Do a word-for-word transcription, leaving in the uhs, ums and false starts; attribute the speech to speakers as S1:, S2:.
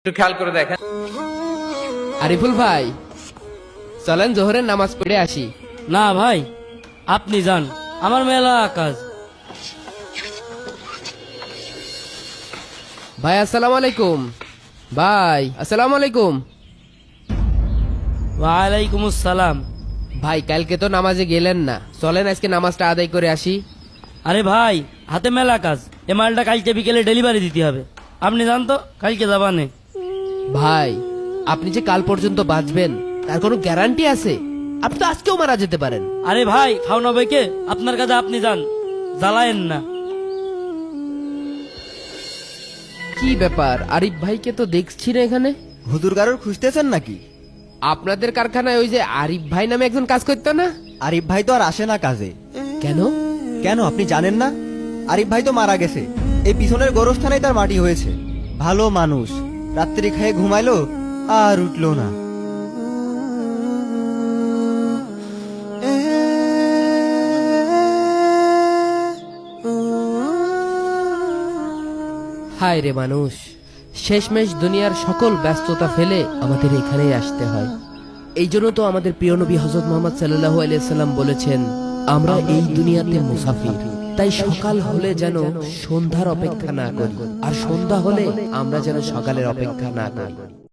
S1: একটু খেয়াল করে দেখেন।
S2: আরিফুল ভাই, চলেন জোহরের নামাজ পড়ে আসি।
S3: না ভাই, আপনি যান, আমার মেলা কাজ।
S2: ভাই আসসালামু আলাইকুম। ভাই আসসালামু আলাইকুম।
S3: ওয়ালাইকুম আসসালাম।
S2: ভাই কালকে তো নামাজে গেলেন না, চলেন আজকে নামাজটা আদায় করে আসি।
S3: আরে ভাই, হাতে মেলা কাজ, এ মালটা কালকে বিকেলে ডেলিভারি দিতে হবে। আপনি যান তো, কালকে যাবানে।
S2: ভাই আপনি যে কাল পর্যন্ত বাঁচবেন তার কোনো গ্যারান্টি আছে? আপনি তো আজকেও মারা যেতে পারেন।
S3: আরে ভাই, খাওনা ভাইকে আপনার কাছে আপনি যান, জ্বালায়েন না।
S2: কি ব্যাপার, আরিফ ভাইকে তো দেখছি না এখানে।
S4: হুজুর কারোর খুঁজতেছেন নাকি?
S2: আপনাদের কারখানায় ওই যে আরিফ ভাই নামে একজন কাজ করতো না?
S4: আরিফ ভাই তো আর আসে না কাজে।
S2: কেন?
S4: কেন আপনি জানেন না? আরিফ ভাই তো মারা গেছে, এই পিছনের গোরস্থানেই তার মাটি হয়েছে। ভালো মানুষ, রাত্রি খেয়ে ঘুমাইলো আর উঠলো না।
S2: হায় রে মানুষ, শেষমেশ দুনিয়ার সকল ব্যস্ততা ফেলে আমাদের এখানেই আসতে হয়। এই জন্য তো আমাদের প্রিয় নবী হযরত মুহাম্মদ সাল্লাল্লাহু আলাইহি সাল্লাম বলেছেন, আমরা এই দুনিয়াতে মুসাফির। তাই সকাল হলে যেন সন্ধ্যার অপেক্ষা না করি, আর সন্ধ্যা হলে আমরা যেন সকালের অপেক্ষা না করি।